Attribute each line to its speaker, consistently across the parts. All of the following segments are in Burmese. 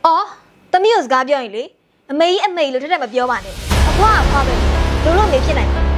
Speaker 1: အော်သမီးကိုစကားပြောရင်လေအမေကြီးအမေလို့ထက်ထက်မပြောပါနဲ့အဖွားအဖွားပဲလို့မေဖြစ်နိုင်တယ်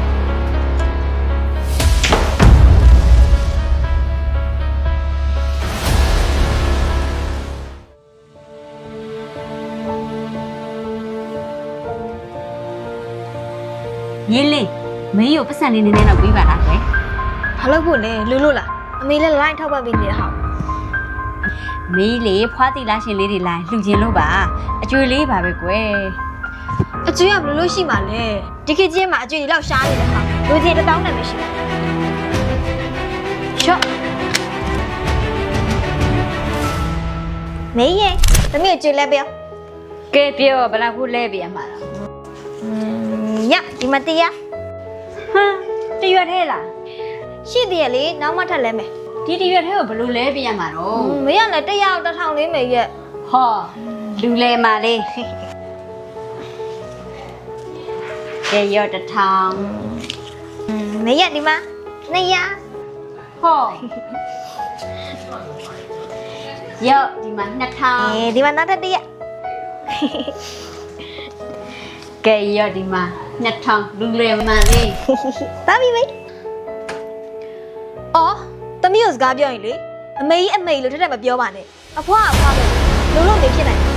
Speaker 2: ညီလေးမင်းကိုပတ်စံလေးနည်းနည်းတော့ပြီးပါလားကွယ်
Speaker 1: ဘာလို့ဖို့လဲလူလို့လားအမေလည်းလိုင်းထောက်ပံ့ပေးနေတာဟာ
Speaker 2: မင်းလေးဖွားတီလာရှင်လေးတွေလိုက်လှူခြင်းလို့ပါအကျွေးလေးပါပဲကွယ်
Speaker 1: အကျွေးကဘယ်လိုရှိမှလဲဒီခေတ်ကြီးမှာအကျွေးတွေလောက်ရှားနေတဲ့ဟာလူကြီး1000နဲ့မရှိဘူးရှော့မေးရင်သမီးကိုကျွေးလဲပြော
Speaker 2: ကဲပြောဘယ်လောက်ခုလဲပြရမှာလား
Speaker 1: ညဒီမတရား
Speaker 2: ဟမ်တရွက်ထဲလား
Speaker 1: ရှိသေးရဲ့လေနောက်မှထပ်လဲမယ်
Speaker 2: ဒီတရွက်ထဲကိုဘယ်လိုလဲပြရမှာတော့
Speaker 1: မေးရနဲ့100 1000လေးမေးရဲ့
Speaker 2: ဟောလူလဲမှာလေးကဲရော1000
Speaker 1: မေးရဒီမှာ200
Speaker 2: ဟောရောဒီမှာ2000
Speaker 1: ဒီမှာနောက်ထပ်100
Speaker 2: ကဲရောဒီမှာ2000လူလဲမှာလေး
Speaker 1: တာပြီမေးအော်သမီးကိုစကားပြောရင်လေအမေကြီးအမေလို့ထက်ထက်မပြောပါနဲ့အဖွားအဖွားပဲလို့မေဖြစ်နိုင်တယ်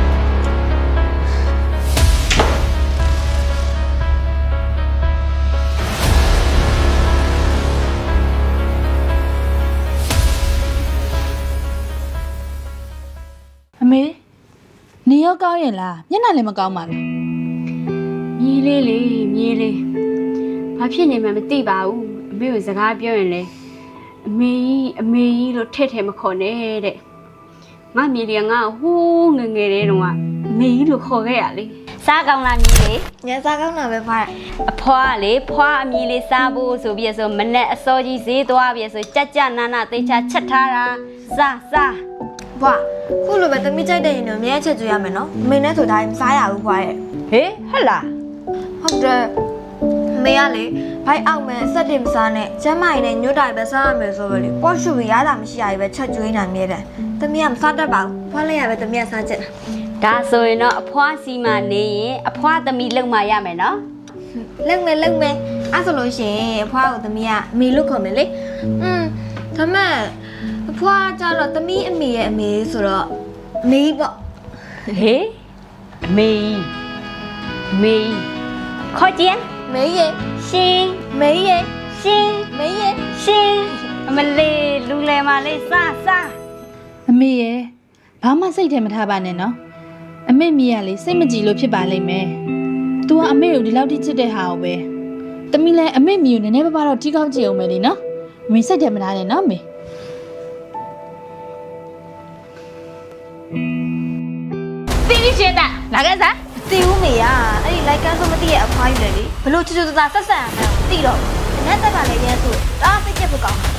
Speaker 3: အမေနေရောကောင်းရင်လားမျက်နှာလည်းမကောင်းပါလား
Speaker 2: မြေးလေးလေမြေးလေးဘာဖြစ်နေမှမသိပါဘူးအမေကိုစကားပြောရင်လေအမေကြီးလို့ထဲ့ထဲမခေါ်နဲ့တဲ့ငါမြေးလေးကငါဟိုးငငယ်တဲ့တုန်းကအမေကြီးလို့ခေါ်ခဲ့ရလေစားကောင်းလားမြေးလေး
Speaker 1: ညစားကောင်းတာပဲဖွား
Speaker 2: အဖွားလေဖွားအမြေးလေးစားဖို့ဆိုပြီးဆိုမနဲ့အစောကြီးဈေးသွားပြီးဆိုကြက်ကြနာနာသိချာချက်ထားတာစား
Speaker 1: ဘွာခုလိုပဲသမီးကြိုက်တဲ့ရင်တော့အမြဲချက်ကျွေးရမယ်နော်အမေနဲ့ဆိုတိုင်းမစားရဘူးဘွာရဲ့
Speaker 2: ဟေးဟဲ့လား
Speaker 1: ဟုတ်တယ်အမေကလေဘိုက်အောက်မဲ့အဆက်တင်မစားနဲ့ကျမ်းမာရင်လည်းညွတ်တိုင်ပဲစားရမယ်ဆိုပဲလေပေါ့ရှူရရတာမရှိရပဲချက်ကျွေးနိုင်မြဲတယ်သမီးကမစားတတ်ပါဘူးဖွားလိုက်ရပဲသမီးကစားချက်
Speaker 2: ဒါဆိုရင်တော့အဖွားစီမနေရင်အဖွားသမီးလုံမှရမယ်နော်
Speaker 1: လုံမယ်အဲ့ဆိုလို့ရှိရင်အဖွားကိုသမီးကအမေလို့ခေါ်မယ်လေဒါမဲ့အဖွားကြတော့သမီးအမေရဲ့အမေဆိုတော့မေးပေါ့
Speaker 2: ဟေးမေးခေါ်ကြည့်
Speaker 1: မေးရဲ့
Speaker 2: ရှင်
Speaker 1: မေးရဲ့
Speaker 2: ရှင်
Speaker 1: မေးရဲ့
Speaker 2: ရှင်အမလေးလူလဲမလေးစား
Speaker 3: အမေရဲ့ဘာမှစိတ်ထဲမထားပါနဲ့နော်အမေမိရလေစိတ်မကြည်လို့ဖြစ်ပါလိမ့်မယ်။ तू ကအမေကိုဒီလောက်ထိချစ်တဲ့ဟာကိုပဲတမီးလည်းအမေမိကိုနည်းနည်းပါးတော့ထိကောက်ကြည့်အောင်ပဲလေနော်။အမေစိတ်ထဲမထားနဲ့နော်အမေ
Speaker 2: ။ပြီးရှင်တာလာခဲ့စား
Speaker 1: တီဦးမေကအဲ့ဒီလိုက်ကန်းဆိုမသိရဲ့အဖွားယူလေလေဘလို့ချူချူသားဆက်ဆံရမယ်မသိတော့ဘူး။နဲ့တက်ကလည်းရဲဆိုတားစိတ်ကြက်ဖို့ကောင်း